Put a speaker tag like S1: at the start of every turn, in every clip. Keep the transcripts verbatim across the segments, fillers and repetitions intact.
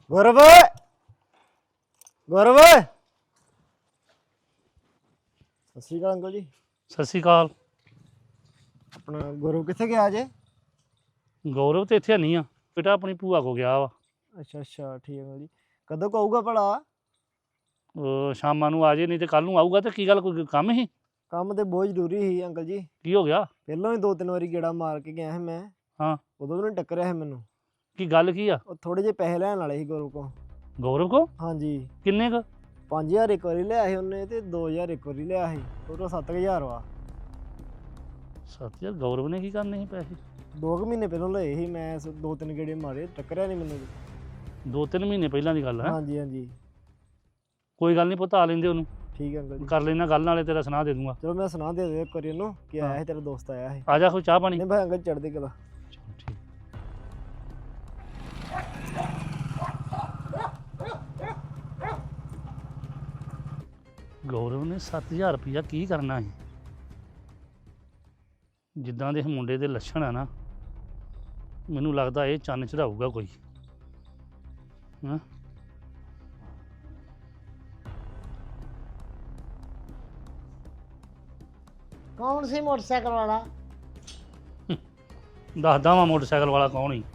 S1: ਗੌਰਵ ਗੌਰਵ ਸਤਿ ਸ਼੍ਰੀ ਅਕਾਲ ਅੰਕਲ ਜੀ।
S2: ਸਤਿ ਸ਼੍ਰੀ ਅਕਾਲ।
S1: ਆਪਣਾ ਗੌਰਵ ਕਿੱਥੇ ਗਿਆ ਜੇ?
S2: ਗੌਰਵ ਤੇ ਇੱਥੇ ਨਹੀਂ ਆ ਬੇਟਾ, ਆਪਣੀ ਭੂਆ ਕੋ ਗਿਆ ਵਾ।
S1: ਅੱਛਾ ਅੱਛਾ ਠੀਕ ਹੈ ਅੰਕਲ ਜੀ। ਕਦੋਂ ਕੁ ਆਊਗਾ ਭਲਾ?
S2: ਉਹ ਸ਼ਾਮਾਂ ਨੂੰ ਆ ਜੇ, ਨਹੀਂ ਤੇ ਕੱਲ ਨੂੰ ਆਊਗਾ। ਤੇ ਕੀ ਗੱਲ, ਕੋਈ ਕੰਮ ਸੀ?
S1: ਕੰਮ ਤੇ ਬਹੁਤ ਜ਼ਰੂਰੀ ਸੀ ਅੰਕਲ ਜੀ।
S2: ਕੀ ਹੋ ਗਿਆ?
S1: ਪਹਿਲਾਂ ਵੀ ਦੋ ਤਿੰਨ ਵਾਰੀ ਗੇੜਾ ਮਾਰ ਕੇ ਗਿਆ ਸੀ ਮੈਂ।
S2: ਹਾਂ,
S1: ਉਦੋਂ ਵੀ ਉਹਨੇ ਟੱਕਰਿਆ ਸੀ ਮੈਨੂੰ।
S2: ਕੀ ਗੱਲ ਕੀ ਆ?
S1: ਉਹ ਥੋੜੇ ਜਿਹੇ ਪੈਸੇ ਲੈਣ ਵਾਲੇ ਸੀ ਗੌਰਵ ਕੋ।
S2: ਗੌਰਵ ਕੋ?
S1: ਹਾਂਜੀ।
S2: ਕਿੰਨੇ ਕ?
S1: ਪੰਜ ਹਜ਼ਾਰ ਇੱਕ ਵਾਰੀ ਲਿਆ ਸੀ ਉਹਨੇ ਤੇ ਦੋ ਹਜ਼ਾਰ ਇੱਕ ਵਾਰੀ ਲਿਆ ਸੀ। ਟੋਟਲ ਸੱਤ ਕੁ ਹਜ਼ਾਰ ਵਾ।
S2: ਸੱਤ ਯਾਰ, ਗੌਰਵ ਨੇ ਕੀ ਕਰਨੇ ਸੀ ਪੈਸੇ?
S1: ਦੋ ਕੁ ਮਹੀਨੇ ਪਹਿਲਾਂ ਲਏ ਸੀ ਮੈਂ। ਸ- ਦੋ ਤਿੰਨ ਗੇੜੇ ਮਾਰੇ, ਟੱਕਰਿਆ ਨਹੀਂ ਮੈਨੂੰ।
S2: ਦੋ ਤਿੰਨ ਮਹੀਨੇ ਪਹਿਲਾਂ ਦੀ ਗੱਲ ਹੈ।
S1: ਹਾਂਜੀ ਹਾਂਜੀ
S2: ਕੋਈ ਗੱਲ ਨਹੀਂ ਪੁੱਤ, ਆ ਲੈਂਦੇ ਉਹਨੂੰ,
S1: ਠੀਕ ਹੈ ਅੰਕਲ ਜੀ।
S2: ਕਰ ਲੈਣਾ ਗੱਲ, ਨਾਲੇ ਤੇਰਾ ਸੁਣਾ ਦੇ ਦੂੰਗਾ।
S1: ਚਲੋ ਮੈਂ ਸੁਣਾ ਦੇ ਦਿਓ ਇੱਕ ਵਾਰੀ ਉਹਨੂੰ ਕਿ ਆਇਆ ਸੀ ਤੇਰਾ ਦੋਸਤ ਆਇਆ ਸੀ।
S2: ਆ ਜਾ, ਕੋਈ ਚਾਹ ਪਾਣੀ।
S1: ਨਹੀਂ ਭਾਈ ਅੰਕਲ ਚੜ੍ਹਦੀ ਕਲਾ।
S2: ਚਲੋ ਠੀਕ। ਗੌਰਵ ਨੇ ਸੱਤ ਹਜ਼ਾਰ ਰੁਪਈਆ ਕੀ ਕਰਨਾ ਸੀ? ਜਿੱਦਾਂ ਦੇ ਇਹ ਮੁੰਡੇ ਦੇ ਲੱਛਣ ਆ ਨਾ, ਮੈਨੂੰ ਲੱਗਦਾ ਇਹ ਚੰਨ ਚੜਾਊਗਾ ਕੋਈ। ਹਾਂ,
S3: ਕੌਣ ਸੀ ਮੋਟਰਸਾਈਕਲ ਵਾਲਾ?
S2: ਦੱਸਦਾ ਵਾਂ ਮੋਟਰਸਾਈਕਲ ਵਾਲਾ ਕੌਣ ਸੀ।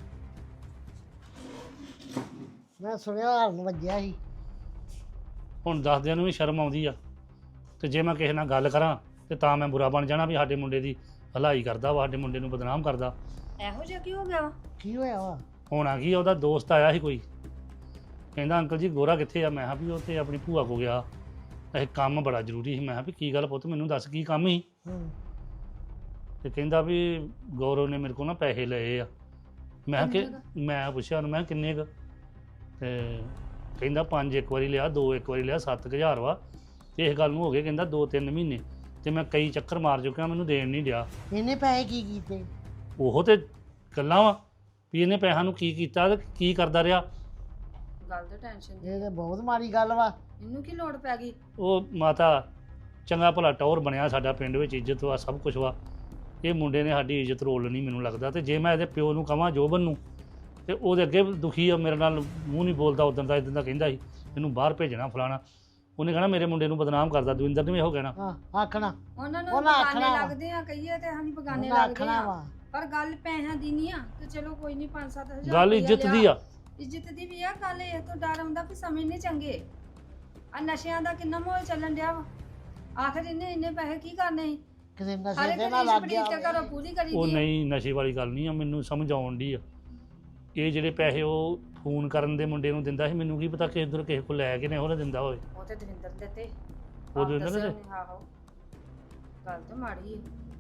S3: ਮੈਂ ਸੁਣਿਆ ਹਾਰਨ ਵੱਜਿਆ ਸੀ।
S2: ਹੁਣ ਦੱਸਦਿਆਂ ਨੂੰ ਵੀ ਸ਼ਰਮ ਆਉਂਦੀ ਆ, ਤੇ ਜੇ ਮੈਂ ਕਿਸੇ ਨਾਲ ਗੱਲ ਕਰਾਂ ਤੇ ਤਾਂ ਮੈਂ ਬੁਰਾ ਬਣ ਜਾਣਾ ਵੀ ਸਾਡੇ ਮੁੰਡੇ ਦੀ ਭਲਾਈ ਕਰਦਾ ਵਾ, ਸਾਡੇ ਮੁੰਡੇ ਨੂੰ ਬਦਨਾਮ ਕਰਦਾ।
S4: ਇਹੋ ਜਿਹਾ ਕੀ ਹੋ ਗਿਆ ਵਾ?
S3: ਕੀ ਹੋਇਆ ਵਾ?
S2: ਹੋਣਾ ਕੀ ਆ, ਉਹਦਾ ਦੋਸਤ ਆਇਆ ਸੀ ਕੋਈ, ਕਹਿੰਦਾ ਅੰਕਲ ਜੀ ਗੋਰਾ ਕਿੱਥੇ ਆ? ਮੈਂ ਕਿਹਾ ਵੀ ਉਹ ਤੇ ਆਪਣੀ ਭੂਆ ਕੋ ਗਿਆ, ਇਹ ਕੰਮ ਬੜਾ ਜ਼ਰੂਰੀ ਸੀ। ਮੈਂ ਕਿਹਾ ਵੀ ਕੀ ਗੱਲ ਪੁੱਤ, ਮੈਨੂੰ ਦੱਸ ਕੀ ਕੰਮ ਸੀ?
S3: ਹੂੰ।
S2: ਤੇ ਕਹਿੰਦਾ ਵੀ ਗੌਰਵ ਨੇ ਮੇਰੇ ਕੋਲ ਨਾ ਪੈਸੇ ਲਏ ਆ। ਮੈਂ ਕਿ ਮੈਂ ਪੁੱਛਿਆ ਉਹਨੂੰ, ਮੈਂ ਕਿਹਾ ਕਿੰਨੇ ਕੁ? ਤੇ ਕਹਿੰਦਾ ਪੰਜ ਇੱਕ ਵਾਰੀ ਲਿਆ, ਦੋ ਇੱਕ ਵਾਰੀ ਲਿਆ, ਸੱਤ ਕੁ ਹਜ਼ਾਰ ਵਾ। ਤੇ ਇਸ ਗੱਲ ਨੂੰ ਹੋ ਗਏ ਕਹਿੰਦਾ ਦੋ ਤਿੰਨ ਮਹੀਨੇ, ਤੇ ਮੈਂ ਕਈ ਚੱਕਰ ਮਾਰ ਚੁੱਕਿਆ, ਮੈਨੂੰ ਦੇਣ ਨਹੀਂ ਡਿਆ।
S3: ਇਹਨੇ ਪੈਸੇ ਕੀ ਕੀਤੇ?
S2: ਉਹ ਤੇ ਗੱਲਾਂ ਵਾ ਵੀ ਇਹਨੇ ਪੈਸਿਆਂ ਨੂੰ ਕੀ ਕੀਤਾ ਤੇ ਕੀ ਕਰਦਾ ਰਿਹਾ।
S4: ਗੱਲ ਤੇ ਟੈਨਸ਼ਨ ਦੀ।
S3: ਇਹ ਤਾਂ ਬਹੁਤ ਮਾੜੀ ਗੱਲ ਵਾ।
S4: ਇਹਨੂੰ ਕੀ ਲੋੜ ਪੈ ਗਈ?
S2: ਉਹ ਮਾਤਾ ਚੰਗਾ ਭਲਾ ਟੌਰ ਬਣਿਆ, ਸਾਡਾ ਪਿੰਡ ਵਿੱਚ ਇੱਜ਼ਤ ਵਾ, ਸਭ ਕੁਝ ਵਾ। ਇਹ ਮੁੰਡੇ ਨੇ ਸਾਡੀ ਇੱਜ਼ਤ ਰੋਲਣੀ ਮੈਨੂੰ ਲੱਗਦਾ। ਤੇ ਜੇ ਮੈਂ ਇਹਦੇ ਪਿਓ ਨੂੰ ਕਹਾਂ ਜੋਬਨ ਨੂੰ, ਤੇ ਉਹਦੇ ਅੱਗੇ ਦੁਖੀ ਆ, ਮੇਰੇ ਨਾਲ ਮੂੰਹ ਨਹੀਂ ਬੋਲਦਾ। ਉਦੋਂ ਦਾ ਇਦਾਂ ਦਾ ਕਹਿੰਦਾ ਸੀ ਇਹਨੂੰ ਬਾਹਰ ਭੇਜਣਾ ਫਲਾਣਾ। ਉਹਨੇ ਕਹਿਣਾ ਮੇਰੇ ਮੁੰਡੇ ਨੂੰ ਬਦਨਾਮ ਕਰਦਾ। ਦਵਿੰਦਰ ਨੇ ਵੀ ਇਹੋ ਕਹਿਣਾ।
S3: ਹਾਂ ਆਖਣਾ।
S4: ਉਹਨਾਂ ਨੂੰ
S3: ਉਹਨਾਂ
S4: ਬਗਾਨੇ
S3: ਆਖਣਾ ਵਾ।
S4: ਲੱਗਦੇ ਆ, ਕਹੀਏ ਤੇ ਹਾਂਜੀ ਬਗਾਨੇ
S3: ਉਹਨਾਂ
S4: ਲੱਗਦੇ
S3: ਆਖਣਾ
S4: ਆ।
S3: ਵਾ।
S4: ਪਰ ਗੱਲ ਪੈਸਿਆਂ ਦੀ ਨਹੀਂ ਆ। ਤੇ ਚਲੋ ਕੋਈ ਨਹੀਂ, ਪੰਜ ਸੱਤ ਹਜ਼ਾਰ
S2: ਗੱਲ
S4: ਰੁਪਈਆ
S2: ਇੱਜ਼ਤ ਦੀ
S4: ਲਿਆ।
S2: ਆ।
S4: ਇੱਜ਼ਤ ਦੀ ਵੀ ਆ ਗੱਲ। ਇਹ ਤੋਂ ਡਰ ਆਉਂਦਾ ਵੀ ਸਮੇਂ ਨਹੀਂ ਚੰਗੇ। ਆ ਨਸ਼ਿਆਂ ਦਾ ਕਿੰਨਾ ਮਾਹੌਲ ਚੱਲਣ ਡਿਆ ਵਾ। ਆਖਰ ਇਹਨੇ ਇੰਨੇ ਪੈਸੇ ਕੀ ਕਰਨੇ ਸੀ?
S3: ਕਿਸੇ
S4: ਹਰ
S3: ਨਸ਼ੇ
S4: ਇੱਕ
S3: ਦੇ ਨਾਲ ਲੱਗ
S4: ਰੀਸ
S3: ਗਿਆ
S4: ਬੜੀ ਤੇ ਘਰੋਂ
S3: ਹੋਵੇ।
S4: ਪੂਰੀ ਕਰੀ
S2: ਉਹ
S4: ਦੀ ਆ।
S2: ਨਹੀਂ, ਨਸ਼ੇ ਵਾਲੀ ਗੱਲ ਨਹੀਂ ਆ, ਮੈਨੂੰ ਸਮਝ ਆਉਣ ਡਈ ਆ। ਇਹ ਜਿਹੜੇ ਪੈਸੇ ਉਹ ਫੋਨ ਕਰਨ ਦੇ ਮੁੰਡੇ ਨੂੰ ਦਿੰਦਾ ਸੀ, ਮੈਨੂੰ ਕੀ ਪਤਾ ਕਿਸੇ ਦਰ ਕਿਸੇ ਕੋਲ ਲੈ ਕੇ ਨੇ ਉਹਨੇ ਦਿੰਦਾ ਹੋਵੇ।
S4: ਉਹ ਤੇ ਦਵਿੰਦਰ ਦੇ ਤੇ
S2: ਉਹ ਦਵਿੰਦਰ ਦੇ ਤੇ?
S4: ਆਹੋ, ਗੱਲ ਤਾਂ ਮਾੜੀ ਹੈ।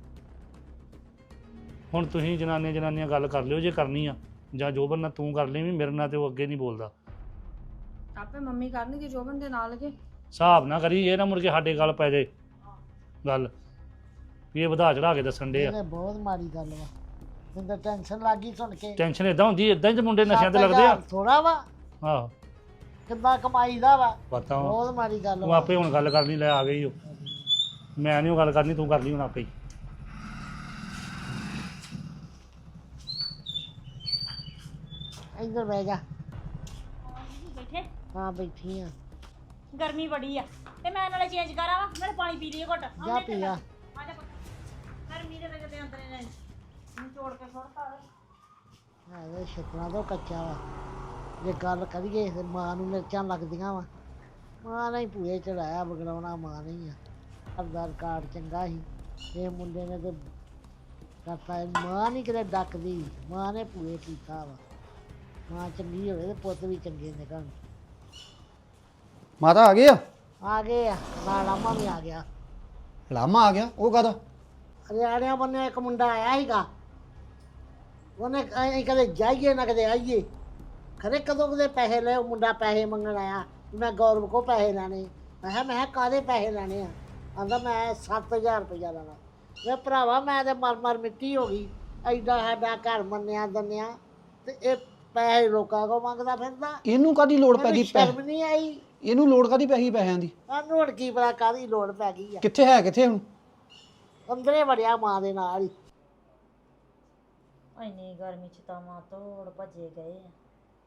S2: ਹੁਣ ਤੁਸੀਂ ਜਨਾਨੀਆਂ ਜਨਾਨੀਆਂ ਗੱਲ ਕਰ ਲਿਓ ਜੇ ਕਰਨੀ ਆ, ਜਾਂ ਜੋਬਨ ਨਾਲ ਤੂੰ ਕਰ ਲਈ ਵੀ, ਮੇਰੇ ਨਾਲ ਤੇ ਉਹ ਅੱਗੇ ਨਹੀਂ ਬੋਲਦਾ।
S4: ਆਪੇ ਮੰਮੀ ਕਰਨਗੇ ਜੋਬਨ ਦੇ ਨਾਲ ਕੇ।
S2: ਹਿਸਾਬ ਨਾ ਕਰੀ, ਇਹ ਨਾ ਮੁੜ ਕੇ ਸਾਡੇ ਗੱਲ ਪੈ ਜਾਏ ਗੱਲ ਵੀ ਇਹ ਵਧਾ ਚੜਾ ਕੇ ਦੱਸਣ ਦੇ
S3: ਇਹ
S2: ਆ।
S3: ਤਾਂ ਬਹੁਤ ਮਾੜੀ ਗੱਲ ਵਾ। ਮੈਨੂੰ ਤਾਂ ਟੈਨਸ਼ਨ ਲੱਗ ਗਈ ਸੁਣ ਕੇ।
S2: ਟੈਨਸ਼ਨ ਇਦਾਂ ਹੁੰਦੀ, ਇਦਾਂ ਹੀ ਤੇ ਮੁੰਡੇ ਨਸ਼ਿਆਂ ਤੇ ਲੱਗਦੇ ਆ।
S3: ਥੋੜਾ ਵਾ,
S2: ਆਹੋ
S3: ਕਿੱਦਾਂ ਕਮਾਈਦਾ ਵਾ।
S2: ਪਤਾ ਵਾ।
S3: ਬਹੁਤ ਮਾੜੀ ਗੱਲ
S2: ਤੂੰ
S3: ਵਾ।
S2: ਆਪੇ ਹੁਣ ਗੱਲ ਕਰਨੀ, ਲੈ ਆ ਗਈ ਉਹ। ਮੈਂ ਨਹੀਂ ਉਹ ਗੱਲ ਕਰਨੀ, ਤੂੰ ਕਰ ਲਈ ਹੁਣ ਆਪੇ ਹੀ।
S3: ਇੱਧਰ ਬਹਿ ਜਾ।
S5: ਬੈਠੇ
S3: ਹਾਂ ਬੈਠੀ ਆ।
S5: ਗਰਮੀ ਬੜੀ ਆ ਤੇ ਮੈਂ ਨਾਲੇ ਚੇਂਜ ਕਰਾਂ ਵਾ, ਨਾਲੇ ਪਾਣੀ ਪੀ ਲਈਏ ਘੁੱਟ।
S3: ਜਾ ਪੀ ਆ।
S5: ਆ ਜਾ ਪੁੱਤ, ਗਰਮੀ ਦੇ ਵਿੱਚ ਤੇ ਅੰਦਰ ਨੇ ਨੂੰ ਚੋੜ ਕੇ ਸੁੱਟਤਾ।
S3: ਹਾਂ ਇਹ ਛਿੱਤਰਾਂ ਤੋਂ ਕੱਚਾ ਵਾ। ਜੇ ਗੱਲ ਕਰੀਏ ਤੇ ਮਾਂ ਨੂੰ ਮਿਰਚਾਂ ਲੱਗਦੀਆਂ ਵਾ। ਮਾਂ ਨੇ ਹੀ ਭੂਏ ਚੜਾਇਆ, ਬਗੜਾਉਣਾ ਮਾਂ ਨਹੀਂ ਆ। ਅਰਦਾਰ ਕਾਰਡ ਚੰਗਾ ਸੀ, ਇਹ ਮੁੰਡੇ ਨੇ ਤੇ ਕਰਤਾ। ਇਹ ਮਾਂ ਨਹੀਂ ਕਿਤੇ ਡੱਕਦੀ, ਮਾਂ ਨੇ ਭੂਏ ਕੀਤਾ ਵਾ। ਮਾਂ ਚੰਗੀ ਹੋਵੇ ਤੇ ਪੁੱਤ ਵੀ ਚੰਗੇ ਨਿਕਲਣ।
S1: ਮਾਤਾ ਆ ਗਏ ਆ?
S3: ਆ ਗਏ ਆ, ਨਾਲ ਆਮਾ ਵੀ ਆ ਗਿਆ।
S1: ਲਾਮਾ ਆ ਗਿਆ? ਉਹ ਕਾਹਦਾ?
S3: ਹਰਿਆਣਿਆਂ ਬੰਨੇ ਇੱਕ ਮੁੰਡਾ ਆਇਆ ਸੀਗਾ। ਉਹਨੇ ਅਸੀਂ ਕਦੇ ਜਾਈਏ ਨਾ ਕਦੇ ਆਈਏ। ਖਰੇ ਕਦੋਂ ਕਦੇ ਪੈਸੇ ਲਏ, ਉਹ ਮੁੰਡਾ ਪੈਸੇ ਮੰਗਣ ਆਇਆ। ਮੈਂ ਗੌਰਵ ਕੋ ਪੈਸੇ ਲੈਣੇ। ਮੈਂ ਕਿਹਾ ਮੈਂ ਕਿਹਾ ਕਾਹਦੇ ਪੈਸੇ ਲੈਣੇ ਆ? ਆਂਦਾ ਮੈਂ ਸੱਤ ਹਜ਼ਾਰ ਰੁਪਈਆ ਲੈਣਾ। ਮੈਂ ਭਰਾਵਾ ਮੈਂ ਤੇ ਮਰ ਮਰ ਮਿੱਟੀ ਹੋ ਗਈ। ਐਡਾ ਸਾਡਾ ਘਰ ਮੰਨਿਆ ਦੰਨਿਆ ਤੇ ਇਹ ਪੈਸੇ ਲੋਕਾਂ ਕੋ ਮੰਗਦਾ ਫਿਰਦਾ।
S6: ਇਹਨੂੰ ਕਾਦੀ ਲੋੜ ਪੈ ਗਈ?
S3: ਸ਼ਰਮ ਨਹੀਂ ਆਈ?
S6: ਇਹਨੂੰ ਲੋੜ ਕਾਦੀ ਪੈ ਗਈ ਪੈਸਿਆਂ ਦੀ?
S3: ਸਾਨੂੰ ਹੁਣ ਕੀ ਪਤਾ ਕਾਹਦੀ ਲੋੜ ਪੈ ਗਈ ਆ।
S6: ਕਿੱਥੇ ਹੈ ਕਿੱਥੇ ਹੁਣ?
S3: ਅੰਦਰੇ ਵੜਿਆ ਮਾਂ ਦੇ ਨਾਲ ਹੀ।
S5: ਇੰਨੀ ਗਰਮੀ ਚ ਤਾਂ ਮਾਂ ਤੋੜ ਭੱਜੇ ਗਏ ਆ।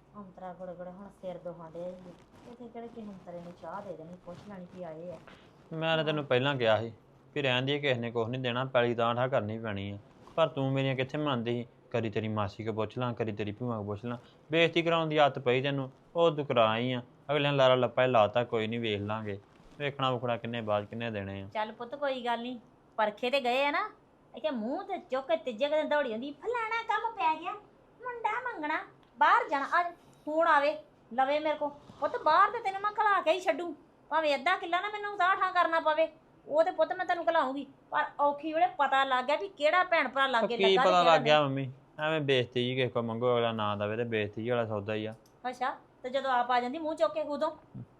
S5: ਅੰਤਰਾ ਗੜ ਗੜ ਹੁਣ ਸਿਰ ਦੁਖਾਂ ਡਿਆ ਜੀ ਇੱਥੇ ਕਿਹੜੇ ਕਿਸੇ ਅੰਤਰੇ ਨੂੰ ਚਾਹ ਦੇ ਦੇਣੀ ਪੁੱਛ ਲੈਣੀ ਕਿ ਆਏ ਆ।
S7: ਮੈਂ ਤਾਂ ਤੈਨੂੰ ਪਹਿਲਾਂ ਕਿਹਾ ਸੀ ਵੀ ਰਹਿਣ ਦੀ ਕਿਸੇ ਨੇ ਕੁਛ ਨਹੀਂ ਦੇਣਾ, ਪੈਲੀ ਤਾਂ ਠਾ ਕਰਨੀ ਪੈਣੀ ਆ, ਪਰ ਤੂੰ ਮੇਰੀਆਂ ਕਿੱਥੇ ਮੰਨਦੀ ਸੀ। ਕਦੀ ਤੇਰੀ ਮਾਸੀ ਕੋ ਪੁੱਛ ਲਾਂ, ਕਦੀ ਤੇਰੀ ਭੂਆ ਕੋ ਪੁੱਛ ਲਾਂ, ਬੇਇੱਜ਼ਤੀ ਕਰਾਉਣ ਦੀ ਆਦਤ ਪਈ ਤੈਨੂੰ, ਉਹ ਤੂੰ ਕਰਾ ਆਈ ਆ। ਅਗਲਿਆਂ ਲਾਰਾ ਲੱਪਾ ਹੀ ਲਾਤਾ, ਕੋਈ ਨਹੀਂ ਵੇਖ ਲਾਂਗੇ, ਵੇਖਣਾ ਵੁਖਣਾ ਕਿੰਨੇ ਬਾਅਦ ਕਿੰਨੇ ਦੇਣੇ ਆ।
S5: ਚੱਲ ਪੁੱਤ ਕੋਈ ਗੱਲ ਨਹੀਂ, ਪਰਖੇ ਤੇ ਗਏ ਆ ਨਾ, ਇੱਥੇ ਮੂੰਹ ਤੇ ਚੁੱਕ ਕੇ ਤੀਜੇ ਦਿਨ ਦੌੜੀ ਹੁੰਦੀ ਫਲਾਣਾ ਕੰਮ ਪੈ ਗਿਆ, ਮੁੰਡਾ ਮੰਗਣਾ, ਬਾਹਰ ਜਾਣਾ, ਅੱਜ ਫੋਨ ਆਵੇ ਲਵੇ ਮੇਰੇ ਕੋ, ਪੁੱਤ ਬਾਹਰ ਤੇ ਤੈਨੂੰ ਮੈਂ ਖਲਾ ਕੇ ਹੀ ਛੱਡੂ, ਭਾਵੇਂ ਅੱਧਾ ਕਿੱਲਾ ਨਾ ਮੈਨੂੰ ਉਤਾਰ ਠਾਂ ਕਰਨਾ ਪਵੇ, ਉਹ ਤੇ ਪੁੱਤ ਮੈਂ ਤੈਨੂੰ ਖਲਾਉਂਗੀ, ਪਰ ਔਖੀ ਵੇਲੇ ਪਤਾ ਲੱਗ ਗਿਆ ਵੀ ਕਿਹੜਾ ਭੈਣ ਭਰਾ ਲਾਗੇ
S7: ਕੀ ਪਤਾ ਲੱਗ ਗਿਆ ਮੰਮੀ, ਐਵੇਂ ਬੇਇੱਜ਼ਤੀ ਜੀ ਕਿਸੇ ਕੋ ਮੰਗੋ, ਅਗਲਾ ਨਾ ਦਵੇ ਤੇ ਬੇਇੱਜ਼ਤੀ ਜੀ ਵਾਲਾ ਸੌਦਾ ਹੀ ਆ।
S5: ਅੱਛਾ ਤੇ ਜਦੋਂ ਆਪ ਆ ਜਾਂਦੀ ਮੂੰਹ ਚੁੱਕ ਕੇ ਉਦੋਂ